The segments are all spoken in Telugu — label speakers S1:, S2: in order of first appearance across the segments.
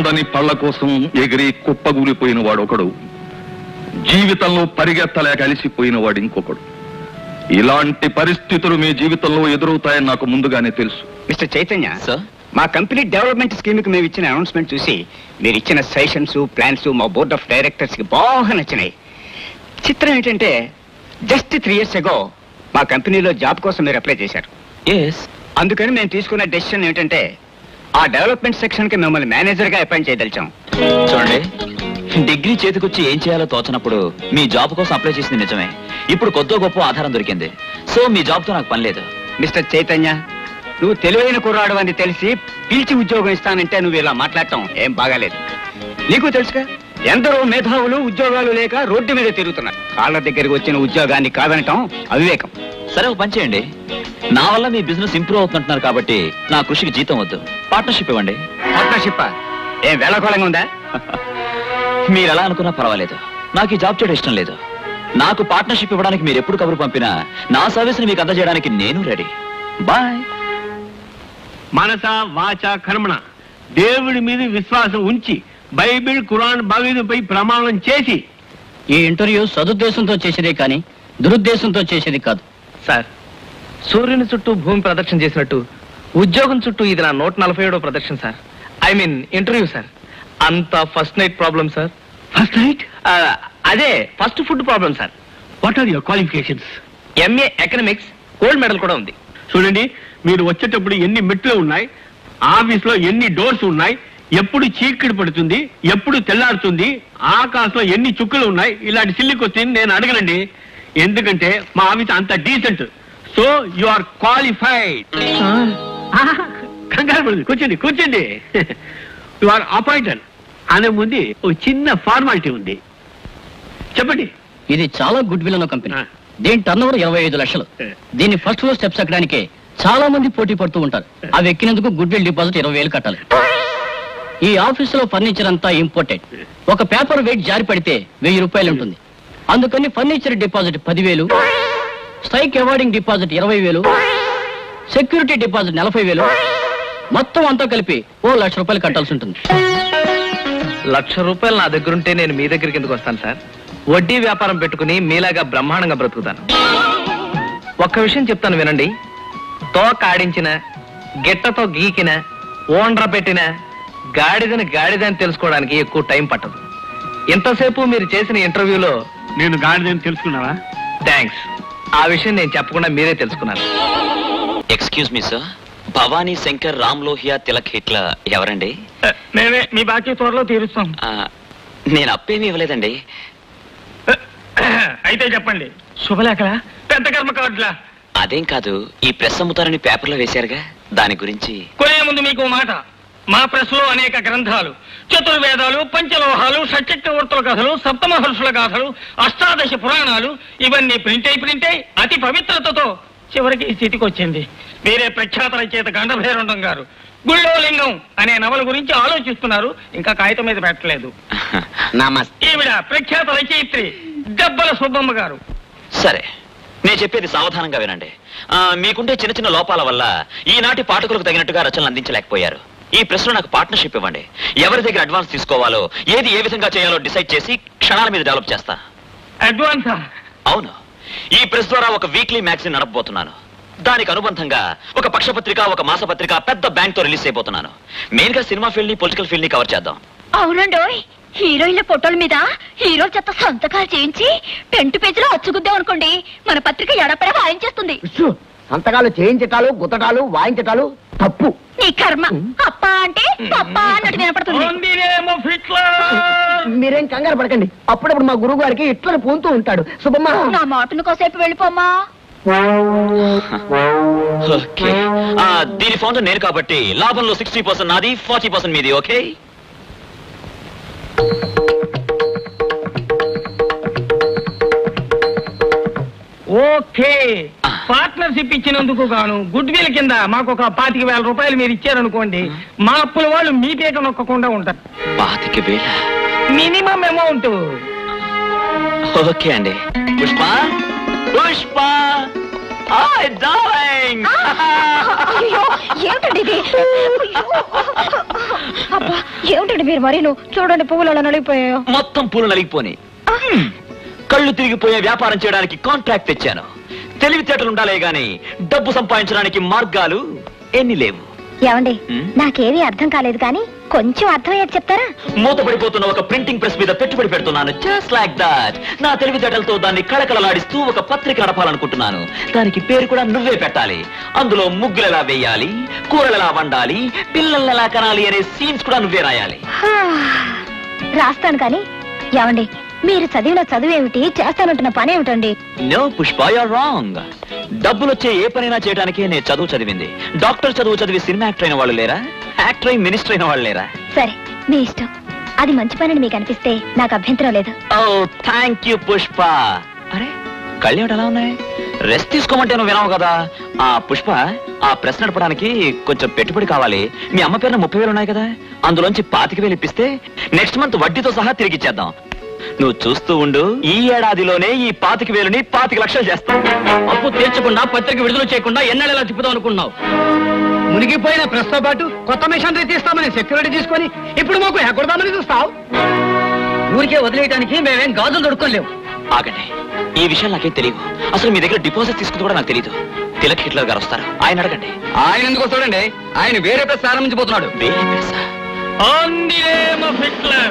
S1: అందని పళ్ల కోసం ఎగిరి కుప్పగూలిపోయిన వాడు ఒకడు, జీవితంలో పరిగెత్తలేక అలిసిపోయిన వాడు ఇంకొకడు. ఇలాంటి పరిస్థితులు మీ జీవితంలో ఎదురవుతాయని నాకు ముందుగానే తెలుసు.
S2: మిస్టర్ చైతన్య సార్, మా కంపెనీ డెవలప్మెంట్ స్కీమ్ కి మేము ఇచ్చిన అనౌన్స్మెంట్ చూసి మీరు ఇచ్చిన సజెషన్స్ ప్లాన్స్ మా బోర్డ్ ఆఫ్ డైరెక్టర్స్ కి బాగా నచ్చినాయి. చిత్రం ఏంటంటే జస్ట్ 3 years ago మా కంపెనీలో జాబ్ కోసం మీరు అప్లై చేశారు. అందుకని మేము తీసుకున్న డెసిషన్ ఏంటంటే ఆ డెవలప్మెంట్ సెక్షన్ కి మిమ్మల్ని మేనేజర్ గా అపాయింట్ చేయదలిచాం.
S3: చూడండి, డిగ్రీ చేతికొచ్చి ఏం చేయాలో తోచనప్పుడు మీ జాబ్ కోసం అప్లై చేసింది నిజమే. ఇప్పుడు కొద్దో గొప్ప ఆధారం దొరికింది. సో మీ జాబ్ తో నాకు పని లేదు.
S2: మిస్టర్ చైతన్య, నువ్వు తెలివైన కుర్రాడు అని తెలిసి పిలిచి ఉద్యోగం ఇస్తానంటే నువ్వు ఇలా మాట్లాడటం ఏం బాగాలేదు. నీకు తెలుసుగా, ఎందరో మేధావులు ఉద్యోగాలు లేక రోడ్డు మీద తిరుగుతున్నారు. కాళ్ళ దగ్గరికి వచ్చిన ఉద్యోగాన్ని కాదనటం అవివేకం.
S3: సరే, ఒక పని చేయండి. నా వల్ల మీ బిజినెస్ ఇంప్రూవ్ అవుతుంటున్నారు కాబట్టి నా కృషికి జీతం వద్దు, పార్ట్నర్షిప్ ఇవ్వండి.
S2: పార్ట్నర్షిప్ ఏం వేళకోళంగా ఉందా?
S3: మీరు ఎలా అనుకున్నా పర్వాలేదు, నాకు ఈ జాబ్ చేయడం ఇష్టం లేదు. నాకు పార్ట్నర్షిప్ ఇవ్వడానికి మీరు ఎప్పుడు కబురు పంపినా నా సర్వీస్ ని మీకు అందజేయడానికి నేను రెడీ. బాయ్.
S4: మనస వాచ కర్మణ దేవుడి మీద విశ్వాసం ఉంచి బైబిల్ ఖురాన్ భగవద్గీతపై ప్రమాణం చేసి
S5: ఈ ఇంటర్వ్యూ సదుద్దేశంతో చేసేదే కానీ దురుద్దేశంతో చేసేది కాదు.
S6: సార్, సూర్యుని చుట్టూ భూమి ప్రదక్షిణ చేసినట్టు ఉద్యోగం చుట్టూ ఇది నా 147వ ప్రదక్షిణ sir. I mean interview sir. అంత first night problem sir.
S4: First night?
S6: అదే first food problem sir.
S4: What are your qualifications?
S6: MA economics, gold medal కూడా ఉంది.
S4: చూడండి, మీరు వచ్చేటప్పుడు ఎన్ని మెట్లు ఉన్నాయి, ఆఫీస్ లో ఎన్ని డోర్స్ ఉన్నాయి, ఎప్పుడు చీకటి పడుతుంది, ఎప్పుడు తెల్లారుతుంది, ఆకాశంలో ఎన్ని చుక్కలు ఉన్నాయి, ఇలాంటి సిల్లి క్వశ్చన్ నేను అడగనండి. ఎందుకంటే మా ఆఫీస్ అంత decent. So you are qualified. కంగారు పడుతుంది, కూర్చోండి కూర్చోండి. యు ఆర్ అపాయింటెడ్ అనే ముందు ఒక చిన్న ఫార్మాలిటీ ఉంది, చెప్పండి.
S5: ఇది చాలా గుడ్ విల్ అన్న కంపెనీ. దీని టర్నోవర్ 25 లక్షలు. దీన్ని ఫస్ట్ ఫ్లోర్ స్టెప్స్ ఎక్కడానికి చాలా మంది పోటీ పడుతూ ఉంటారు. అవి ఎక్కినందుకు గుడ్ విల్ డిపాజిట్ 20,000 కట్టాలి. ఈ ఆఫీసులో ఫర్నిచర్ అంతా ఇంపోర్టెడ్. ఒక పేపర్ వెయిట్ జారి పడితే 1000 రూపాయలు ఉంటుంది. అందుకని furniture deposit 10,000, strike awarding deposit 20,000, security deposit 40,000, మొత్తం అంతా కలిపి 1,00,000 రూపాయలు కట్టాల్సి ఉంటుంది.
S6: 1,00,000 రూపాయలు నా దగ్గర ఉంటే నేను మీ దగ్గరికి ఎందుకు వస్తాను సార్? వడ్డీ వ్యాపారం పెట్టుకుని మీలాగా బ్రహ్మాండంగా బ్రతుకుతాను. ఒక్క విషయం చెప్తాను వినండి. తోక ఆడించిన, గిట్టతో గీకిన, ఓండ్ర పెట్టిన గాడిదని గాడిదని తెలుసుకోవడానికి ఎక్కువ టైం పట్టదు. ఇంతసేపు మీరు చేసిన ఇంటర్వ్యూలో
S4: నేను గాడిదని తెలుసుకున్నావా?
S6: థ్యాంక్స్. ఆ విషయం నేను చెప్పకుండా మీరే తెలుసుకున్నారు.
S3: Excuse me sir, Bhavani Shankar Ram Lohia Tilak హిట్ల ఎవరండి?
S4: మేమే మీ బాకీ త్వరలో తీరుస్తాం.
S3: నేను అప్పేమీ ఇవ్వలేదండి.
S4: అయితే చెప్పండి. శుభలేఖలా, పెద్ద కర్మ కార్డులా?
S3: అదేం కాదు, ఈ ప్రెస్ అమ్ముతారని పేపర్లో వేశారుగా, దాని గురించి.
S4: కొనే ముందు మీకు మాట, మా ప్రెస్ లో అనేక గ్రంథాలు, చతుర్వేదాలు, పంచలోహాలు, షట్చక్రవర్తుల కథలు, సప్తమహర్షుల గాథలు, అష్టాదశ పురాణాలు ఇవన్నీ ప్రింట్ అయి అతి పవిత్రతతో చివరికి ఈ స్థితికి వచ్చింది. వేరే ప్రఖ్యాత రచయిత గండభైరండం గారు గుళ్ళో లింగం అనే నవల గురించి ఆలోచిస్తున్నారు, ఇంకా కాగితం మీద పెట్టలేదు. ఈవిడ ప్రఖ్యాత రచయిత్రి దెబ్బల సుబ్బమ్మ గారు.
S3: సరే, నేను చెప్పేది సావధానంగా వినండి. మీకుంటే చిన్న చిన్న లోపాల వల్ల ఈనాటి పాఠకులకు తగినట్టుగా రచనలు అందించలేకపోయారు. ఈ ప్రశ్న నాకు పార్ట్నర్షిప్ ఇవ్వండి. ఎవరి దగ్గర అడ్వాన్స్ తీసుకోవాలో, ఏది ఏ విధంగా చేయాలో డిసైడ్ చేసి క్షణాల మీద డెవలప్ చేస్తా.
S4: అడ్వాన్సా?
S3: అవును. ఈ ప్రెస్ ద్వారా ఒక వీక్లీ మ్యాగజైన్ నడపబోతున్నాను. దానికి అనుబంధంగా ఒక పక్షపత్రిక, ఒక మాసపత్రిక, పెద్ద బ్యాంక్ తో రిలీజ్ అయిపోతున్నాను. మెయిన్ గా సినిమా ఫీల్డ్ ని, పొలిటికల్ ఫీల్డ్ ని కవర్ చేద్దాం.
S7: అవునండోయ్, హీరోయిన్ల ఫోటోల మీద హీరో చెత్త సంతకాలు చేయించి పెంటు పేజీలో అచ్చుకుద్దాం అనుకోండి, మన పత్రిక ఎడపడ వాయించేస్తుంది.
S2: సంతకాలు చేయించటాలు, గుతటాలు, వాయించటాలు తప్పు.
S7: నీ కర్మ. అప్ప అంటే పప్ప అన్నట్టు వినపడుతుంది.
S2: మీరేం కంగారు పడకండి, అప్పుడప్పుడు మా గురువు గారికి ఇట్లా పూంతూ ఉంటాడు. శుభమ్మా,
S7: నా మాటను కోసేపు వెళ్ళిపోమ్మా.
S3: ఓకే, దీని ఫౌండర్ నేను కాబట్టి లాభంలో 60% నాది, 40% మీది. Okay,
S4: okay. పార్ట్నర్షిప్ ఇచ్చినందుకు గాను గుడ్ విల్ కింద మాకు ఒక 25,000 రూపాయలు మీరు ఇచ్చారనుకోండి, మా అప్పుల వాళ్ళు మీ పేట నొక్కకుండా ఉంటారు.
S3: 25,000
S4: మినిమం అమౌంట్.
S3: ఓకే అండి. Pushpa, Pushpa, hi darling.
S7: అయ్యో, ఏమిటండి ఇది? అయ్యో. అబ్బా, ఏమిటండి మీరు మరి చూడండి పువ్వులు అలా నలిగిపోయాయో.
S3: మొత్తం పూలు నలిగిపోని. కళ్ళు తిరిగిపోయే వ్యాపారం చేయడానికి కాంట్రాక్ట్ తెచ్చాను. తెలివితేటలు ఉండాలే గాని డబ్బు సంపాదించడానికి మార్గాలు ఎన్ని లేవు.
S7: ఏమండి,
S3: హ్మ్?
S7: నాకేమీ అర్థం కాలేదు కానీ కొంచెం అర్థమయ్యేది చెప్తారా?
S3: మూతపడిపోతున్న ఒక ప్రింటింగ్ ప్రెస్ మీద పెట్టుబడి పెడుతున్నాను. Just like that. నా తెలివితేటలతో దాన్ని కళకళలాడిస్తూ ఒక పత్రిక నడపాలనుకుంటున్నాను. దానికి పేరు కూడా నువ్వే పెట్టాలి. అందులో ముగ్గులు ఎలా వేయాలి, కూరలు ఎలా వండాలి, పిల్లల్ని ఎలా కనాలి అనే సీన్స్ కూడా నువ్వే రాయాలి.
S7: రాస్తాను కానీ ఏమండి, మీరు చదివిన చదువేమిటి, చేస్తానంటున్న పని ఏమిటండి?
S3: No Pushpa, you're wrong. డబ్బులు వచ్చే ఏ పనైనా చేయడానికి నేను చదువు చదివింది. డాక్టర్ చదువు చదివి సినిమా యాక్టర్ అయిన వాళ్ళు లేరా? యాక్టర్ అయి మినిస్టర్ అయిన వాళ్ళు లేరా?
S7: సరే, మీ ఇష్టం. అది మంచి పని మీకు అనిపిస్తే నాకు అభ్యంతరం లేదు.
S3: Oh thank you Pushpa. అరే కళ్ళు ఎలా ఉన్నాయి? రెస్ట్ తీసుకోమంటే నువ్వు వినవు కదా. ఆ పుష్ప, ఆ ప్రెస్ నడపడానికి కొంచెం పెట్టుబడి కావాలి. మీ అమ్మ పేరున 30,000 ఉన్నాయి కదా, అందులోంచి 25,000 ఇప్పిస్తే నెక్స్ట్ మంత్ వడ్డీతో సహా తిరిగి ఇచ్చేద్దాం. నువ్వు చూస్తూ ఉండు, ఈ ఏడాదిలోనే ఈ 25,000ని 25 లక్షలు చేస్తాం.
S5: అప్పు తీర్చకుండా పత్రిక విడుదల చేయకుండా ఎన్నడెలా తిప్పుదాం అనుకున్నావు?
S6: మునిగిపోయిన ప్రెస్ తో పాటు కొత్త మిషనరీ తీస్తామని సెక్యూరిటీ తీసుకొని ఇప్పుడు మాకు ఎక్కడదామని చూస్తావు.
S5: ఊరికే వదిలేయడానికి మేమేం గాజులు దొడుకోలేవు.
S3: ఆగండి, ఈ విషయం నాకేం తెలియదు. అసలు మీ దగ్గర డిపాజిట్ తీసుకుంది కూడా నాకు తెలియదు. తిలక్ హిట్లర్ గారు వస్తారు, ఆయన అడగండి.
S6: ఆయన ఎందుకు వస్తాడండి? ఆయన వేరే ప్రెస్ ప్రారంభించబోతున్నాడు.
S3: వేరే ప్రెస్సా?
S4: On the name of Hitler.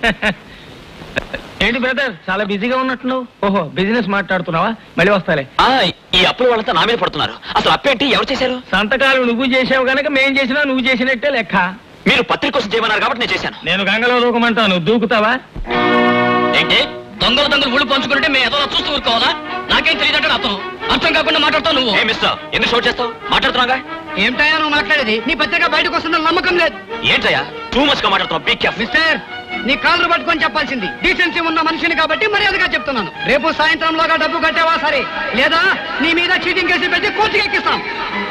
S4: ఏంటి బ్రదర్, చాలా బిజీగా ఉన్నట్టున్నావు? ఓహో, బిజినెస్ మాట్లాడుతున్నావా? మళ్ళీ వస్తాలే.
S3: ఈ అప్పుల వాళ్ళంతా నా మీద పడుతున్నారు. అసలు అప్పేంటి, ఎవరు చేశారు?
S4: సంతకాలు నువ్వు చేసావు గనక మేం చేసినా నువ్వు చేసినట్టే లెక్క.
S3: మీరు పత్రిక కోసం చేయమన్నారు కాబట్టి నేను చేశాను.
S4: నేను గంగలో దూకమంటాను, దూకుతావా?
S5: ఏంటి దొంగలు ఊళ్ళు పంచుకుంటే మేము ఏదో చూస్తూ ఊరుకోవాలా? నాకేం తెలియదంటే అతను అర్థం కాకుండా మాట్లాడతావు నువ్వు.
S3: ఏ మిస్టర్, ఎందుకు షోట్ చేస్తావు? మాట్లాడుతున్నాగా.
S6: ఏమిటయా నువ్వు మాట్లాడేది? నీ పత్రిక బయటకు వస్తుందని నమ్మకం లేదు.
S3: ఏంటయ్యా టూ మచ్ గా మాట్లాడుతున్నావు? Be careful.
S6: మిస్టర్, నీ కాళ్ళు పట్టుకొని చెప్పాల్సింది. డీసెన్సీ ఉన్న మనిషిని కాబట్టి మర్యాదగా చెప్తున్నాను. రేపు సాయంత్రంలోగా డబ్బు కట్టావా సరే, లేదా నీ మీద చీటింగ్ కేసు పెట్టి కోర్టుకి ఎక్కిస్తాం.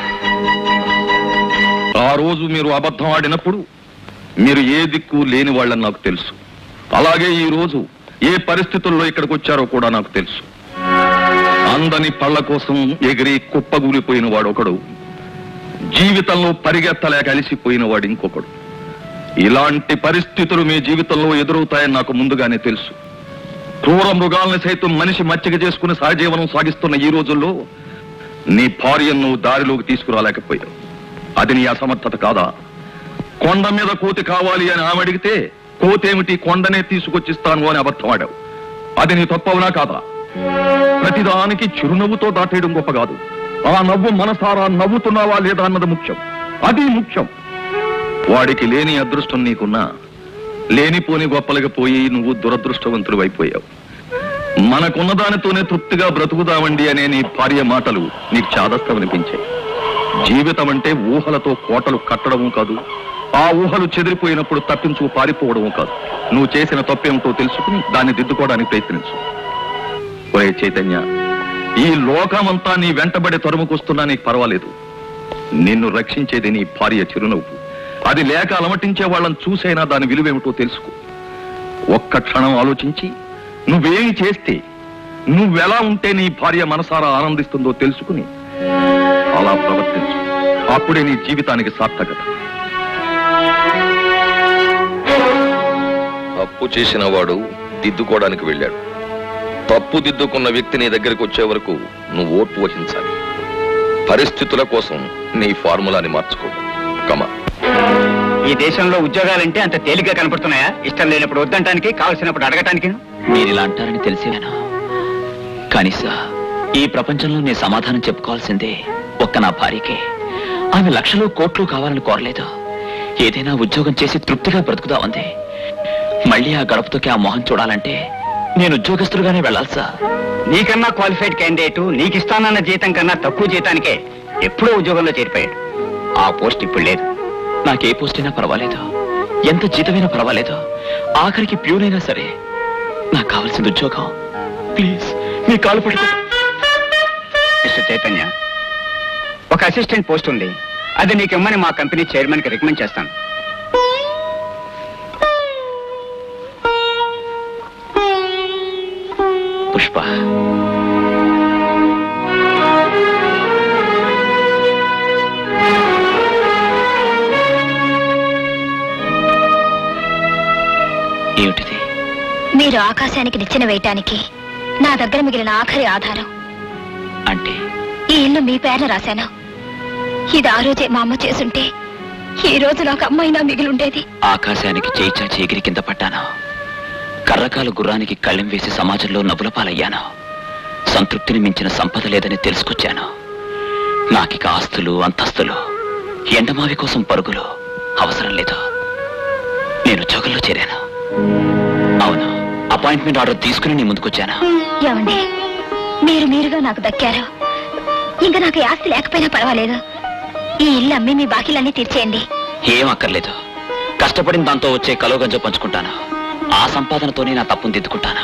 S1: ఆ రోజు మీరు అబద్ధం ఆడినప్పుడు మీరు ఏ దిక్కు లేని వాళ్ళని నాకు తెలుసు. అలాగే ఈ రోజు ఏ పరిస్థితుల్లో ఇక్కడికి వచ్చారో కూడా నాకు తెలుసు. అందని పళ్ళ కోసం ఎగిరి కుప్పగూలిపోయిన వాడు ఒకడు, జీవితంలో పరిగెత్తలేక అలిసిపోయిన వాడు ఇంకొకడు. ఇలాంటి పరిస్థితులు మీ జీవితంలో ఎదురవుతాయని నాకు ముందుగానే తెలుసు. క్రూర మృగాల్ని సైతం మనిషి మచ్చిక చేసుకుని సహజీవనం సాగిస్తున్న ఈ రోజుల్లో నీ భార్యను దారిలోకి తీసుకురాలేకపోయావు. అది నీ అసమర్థత కాదా? కొండ మీద కోతి కావాలి అని ఆమె అడిగితే కోతేమిటి, కొండనే తీసుకొచ్చిస్తాను అని అబద్ధం ఆడావు. అది నీ తప్పవునా కాదా? ప్రతిదానికి చిరునవ్వుతో దాటేయడం గొప్ప కాదు. ఆ నవ్వు మనసారా నవ్వుతున్నావా లేదా అన్నది ముఖ్యం. అది ముఖ్యం. వాడికి లేని అదృష్టం నీకున్నా లేనిపోని గొప్పలకి పోయి నువ్వు దురదృష్టవంతుడు అయిపోయావు. మనకున్న దానితోనే తృప్తిగా బ్రతుకుదామండి అనే నీ భార్య మాటలు నీకు చాదస్తమనిపించాయి. జీవితం అంటే ఊహలతో కోటలు కట్టడము కాదు, ఆ ఊహలు చెదిరిపోయినప్పుడు తప్పించుకు పారిపోవడము కాదు. నువ్వు చేసిన తప్పేమిటో తెలుసుకుని దాన్ని దిద్దుకోవడానికి ప్రయత్నించు. ఒరే చైతన్య, ఈ లోకమంతా నీ వెంటబడి తరుముకొస్తున్నా నీకు పర్వాలేదు. నిన్ను రక్షించేది నీ భార్య చిరునవ్వు. అది లేక అలమటించే వాళ్ళని చూసైనా దాని విలువేమిటో తెలుసుకో. ఒక్క క్షణం ఆలోచించి నువ్వేమి చేస్తే, నువ్వెలా ఉంటే నీ భార్య మనసారా ఆనందిస్తుందో తెలుసుకుని అలా ప్రవర్తించు. అప్పుడే నీ జీవితానికి సార్థకత. తప్పు చేసిన వాడు దిద్దుకోవడానికి వెళ్ళాడు. తప్పు దిద్దుకున్న వ్యక్తి నీ దగ్గరికి వచ్చే వరకు నువ్వు ఓర్పు వహించాలి. పరిస్థితుల కోసం నీ ఫార్ములాని మార్చుకో. కమా.
S2: ఈ దేశంలో ఉద్యోగాలంటే అంత తేలిగ్గా కనపడుతున్నాయా? ఇష్టం లేనప్పుడు వద్దంటానికి, కావలసినప్పుడు అడగటానికి.
S3: మీరు ఇలా అంటారని తెలిసేనా? కానీ సార్, ఈ ప్రపంచంలో నేను సమాధానం చెప్పుకోవాల్సిందే ఒక్క నా భార్యకే. ఆమె లక్షలు కోట్లు కావాలని కోరలేదు. ఏదైనా ఉద్యోగం చేసి తృప్తిగా బ్రతుకుదామంది. మళ్ళీ ఆ గడపతోకి ఆ మొహం చూడాలంటే నేను ఉద్యోగస్తులుగానే వెళ్ళాలి సార్.
S2: నీకన్నా క్వాలిఫైడ్ క్యాండిడేట్ నీకు ఇస్తానన్న జీతం కన్నా తక్కువ జీతానికే ఎప్పుడో ఉద్యోగంలో చేరిపోయాడు. ఆ పోస్ట్ ఇప్పుడు లేదు.
S3: నాకే పోస్ట్ అయినా పర్వాలేదు, ఎంత జీతమైనా పర్వాలేదు, ఆఖరికి ప్యూనైనా సరే. నాకు కావాల్సింది ఉద్యోగం. ప్లీజ్ మీ కాలు పట్టుకో.
S2: మిస్టర్ చైతన్య, ఒక అసిస్టెంట్ పోస్ట్ ఉంది. అది నీకు ఇమ్మని మా కంపెనీ చైర్మన్ కి రికమెండ్ చేస్తాను.
S3: పుష్ప, ఏమిటిది?
S7: మీరు ఆకాశానికి నిచ్చెన వేయటానికి నా దగ్గర మిగిలిన ఆఖరి ఆధారం.
S3: అంటే
S7: ఈ ఇల్లు మీ పేరున రాశాను. ఇది ఆ రోజే మా అమ్మ చేసుంటే ఈ రోజు నాకు అమ్మైనా మిగిలుండేది.
S3: ఆకాశానికి చేయి చాచి ఎగిరి కింద పడ్డాను. కర్రకాలు గుర్రానికి కళ్ళెం వేసి సమాజంలో నవ్వుల పాలయ్యాను. సంతృప్తిని మించిన సంపద లేదని తెలుసుకొచ్చాను. నాకిక ఆస్తులు, అంతస్తులు, ఎండమావి కోసం పరుగులు అవసరం లేదు. నేను ఉద్యోగంలో చేరాను. అవును, అపాయింట్మెంట్ ఆర్డర్ తీసుకుని నీ ముందుకొచ్చాను.
S7: ఏమండి, మీరుగా నాకు దక్కారు. ఇంకా నాకు ఈ ఆస్తి లేకపోయినా పర్వాలేదు. ఈ ఇల్లు అమ్మి మీ బాకీలన్నీ తీర్చేయండి.
S3: ఏం అక్కర్లేదు. కష్టపడిన దాంతో వచ్చే కలోగంజ పంచుకుంటాను. ఆ సంపాదనతోనే నా తప్పును దిద్దుకుంటాను.